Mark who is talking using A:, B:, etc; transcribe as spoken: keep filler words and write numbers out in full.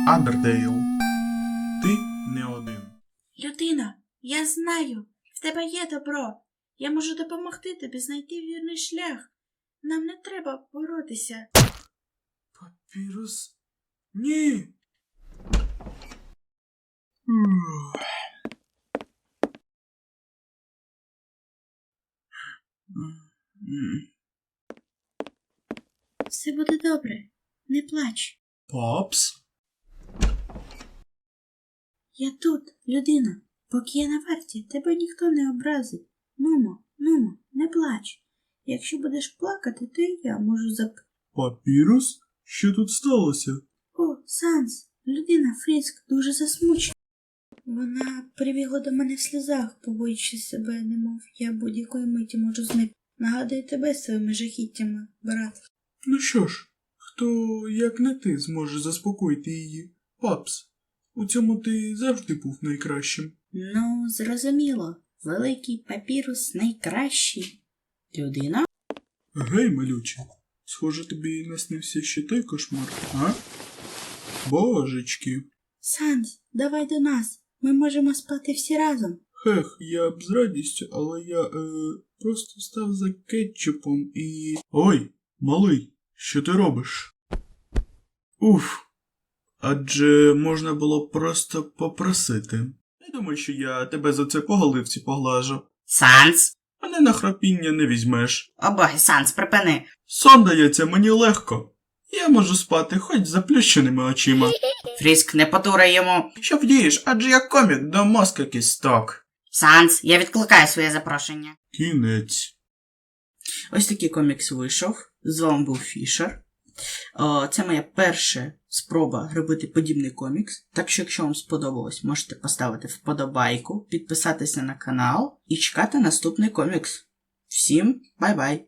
A: Андердейл. Ти не один.
B: Людина, я знаю, в тебе є добро. Я можу допомогти тобі знайти вірний шлях. Нам не треба боротися.
A: Папірус? Ні!
B: Все буде добре. Не плач.
A: Папс?
B: Я тут, людина. Поки я на варті, тебе ніхто не образить. Нумо, нумо, не плач. Якщо будеш плакати, то і я можу зап...
A: Папірус? Що тут сталося?
B: О, Санс, людина Фріск дуже засмучена. Вона прибігла до мене в сльозах, побоюючись себе, немов я будь-якої миті можу зникнути. Нагадую тебе своїми жахіттями, брат.
A: Ну що ж, хто, як не ти, зможе заспокоїти її? Папс, у цьому ти завжди був найкращим.
B: Ну, зрозуміло. Великий папірус найкращий. Людина?
A: Гей, малюче, схоже, тобі наснився ще той кошмар, а? Божечки.
B: Санс, давай до нас. Ми можемо спати всі разом.
A: Хех, я б з радістю, але я, е, просто став за кетчупом і... Ой, малий, що ти робиш? Уф, адже можна було просто попросити. Не думай, що я тебе за це по голивці поглажу.
C: Санс?
A: Мене на храпіння не візьмеш.
C: О боги, Санс, припини.
A: Сон дається мені легко. Я можу спати хоч з заплющеними очима.
C: Фріск, не потурай йому.
A: Що вдієш, адже я комік до мозка кісток.
C: Санс, я відкликаю своє запрошення.
A: Кінець.
C: Ось такий комікс вийшов. З вами був Фішер. О, це моя перша спроба робити подібний комікс. Так що, якщо вам сподобалось, можете поставити вподобайку, підписатися на канал і чекати наступний комікс. Всім бай-бай!